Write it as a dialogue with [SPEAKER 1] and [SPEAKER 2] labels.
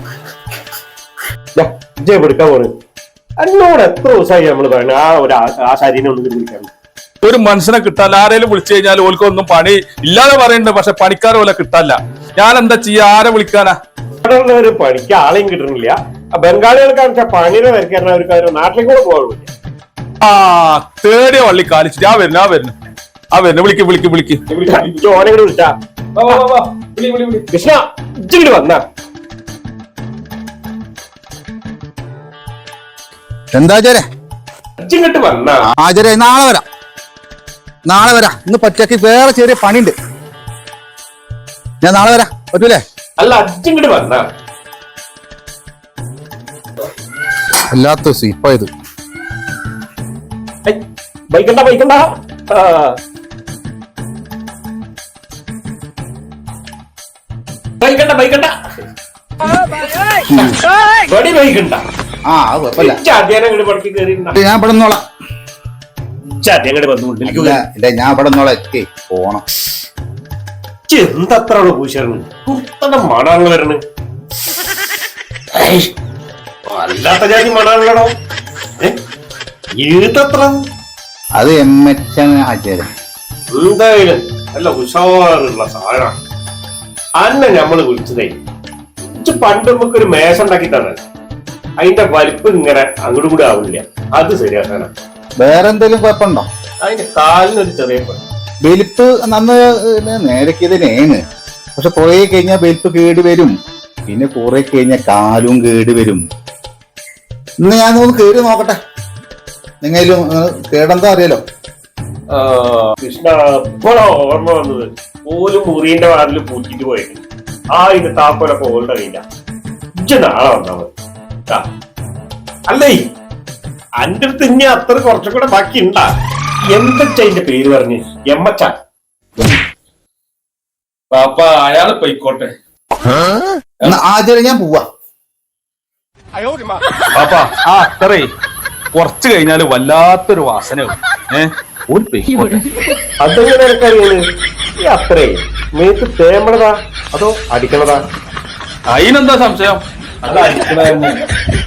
[SPEAKER 1] എടുക്കാൻ പോണ് എന്നോട് എത്ര ദിവസമായി നമ്മള് പറയുന്നത് ആ ഒരു ആശാരിനെ ഒന്ന് വിളിക്കാൻ.
[SPEAKER 2] ഒരു മനുഷ്യനെ കിട്ടാല്ല. ആരെങ്കിലും വിളിച്ചു കഴിഞ്ഞാൽ ഓൽക്കൊന്നും പണി ഇല്ലാതെ പറയുന്നുണ്ട്, പക്ഷെ പണിക്കാരെ പോലെ കിട്ടാല്ല. ഞാൻ എന്താ ചെയ്യാ? ആരെ വിളിക്കാനാ?
[SPEAKER 1] ഇവിടെ ഉള്ളവര് പണിക്ക് ആളെയും കിട്ടണില്ല. ബംഗാളികൾക്കാന്ന് വെച്ചാൽ പണിനെ വരയ്ക്കാൻ അവർക്ക് നാട്ടിലേക്ക് കൂടെ പോകാൻ.
[SPEAKER 2] ആ തേടിയ വള്ളി കാലിച്ചിട്ട് ആ വരുന്നു വിളിക്ക്
[SPEAKER 1] ഓനെ കൂടെ വിളിച്ചാ കൃഷ്ണ ഇച്ചിട്ട് വന്നാ.
[SPEAKER 3] എന്താ
[SPEAKER 1] ഇച്ചിങ്ങട്ട് വന്നാ
[SPEAKER 3] ആചാര്യ നാളെ വരാം. ഇന്ന് പച്ചക്ക് വേറെ ചെറിയ പണിയുണ്ട്. ഞാൻ നാളെ വരാം, പറ്റൂലേ?
[SPEAKER 1] അല്ല അച്ചിങ്ങട്ട് വന്നാ.
[SPEAKER 3] അല്ലാത്ത സീപ്പായത്.
[SPEAKER 1] ബൈക്കണ്ട ബൈക്കണ്ട ബൈക്കണ്ട ബടി ബൈക്കണ്ട.
[SPEAKER 3] ആ അത് കുഴപ്പമില്ല,
[SPEAKER 1] ചാദ്യാനങ്ങട് പടക്കി കയറി
[SPEAKER 3] ഞാൻ ഇവിടെ നിന്നോളാം.
[SPEAKER 1] ചാദ്യങ്ങട് വന്നു
[SPEAKER 3] ഞാൻ ഇവിടെ നിന്നോളാം. പോണം.
[SPEAKER 1] എന്തത്ര പൂശാണ് കുത്തന്റെ മണാണല്ലോ വരണ്. അല്ലാത്ത ജാതി മണാണല്ലോ. ഏതത്ര
[SPEAKER 3] അത് ആചാര്യ
[SPEAKER 1] എന്തായാലും നല്ല ഉഷാറുള്ള സാധനം. അന്നെ ഞമ്മള് വിളിച്ചതേ പണ്ട് നമുക്കൊരു മേശ ഉണ്ടാക്കി തന്നെ അതിന്റെ വലിപ്പം ഇങ്ങനെ അങ്ങോട്ടും കൂടി ആവില്ല. അത് ശരിയാക്കാനാ.
[SPEAKER 3] വേറെ എന്തെങ്കിലും കുഴപ്പമുണ്ടോ?
[SPEAKER 1] അതിന്റെ കാലിനൊരു ചെറിയ
[SPEAKER 3] വെലുപ്പ് നന്ന് നേരക്കിയതിനേന്ന്. പക്ഷെ കുറെ കഴിഞ്ഞാൽ വെലുപ്പ് കേട് വരും. പിന്നെ കുറെ കഴിഞ്ഞാൽ കാലും കേട് വരും. ഇന്ന് ഞാൻ ഒന്ന് കേറി നോക്കട്ടെ. നിങ്ങളും കേടെന്താ അറിയാലോ.
[SPEAKER 1] കൃഷ്ണ ഇപ്പോഴോ ഓർമ്മ വന്നത് പോലും മുറിന്റെ വാതിൽ പൂറ്റിട്ട് പോയിട്ട് ഇത് താപ്പോലൊക്കെ ഓൾഡ് അറിയില്ല. നാളെ വന്നാ മതി. അല്ലേ അന്റെ അടുത്ത് ഇനി അത്ര കുറച്ചുകൂടെ ബാക്കി ഉണ്ടാ. എന്തച്ച അതിന്റെ പേര് പറഞ്ഞ് എമ്മച്ച
[SPEAKER 2] പാപ്പ അയാള് പോയിക്കോട്ടെ.
[SPEAKER 3] ആചാര്യ ഞാൻ പോവാ.
[SPEAKER 2] പാപ്പ ആ അത്രേ കുറച്ച് കഴിഞ്ഞാല് വല്ലാത്തൊരു വാസന.
[SPEAKER 1] അതെങ്ങനെ എനിക്കറിയാണ്? ഈ അത്രേ മേത്ത് തേമ്പണതാ അതോ അടിക്കണതാ?
[SPEAKER 2] അതിനെന്താ സംശയം? അത് അടിക്കണ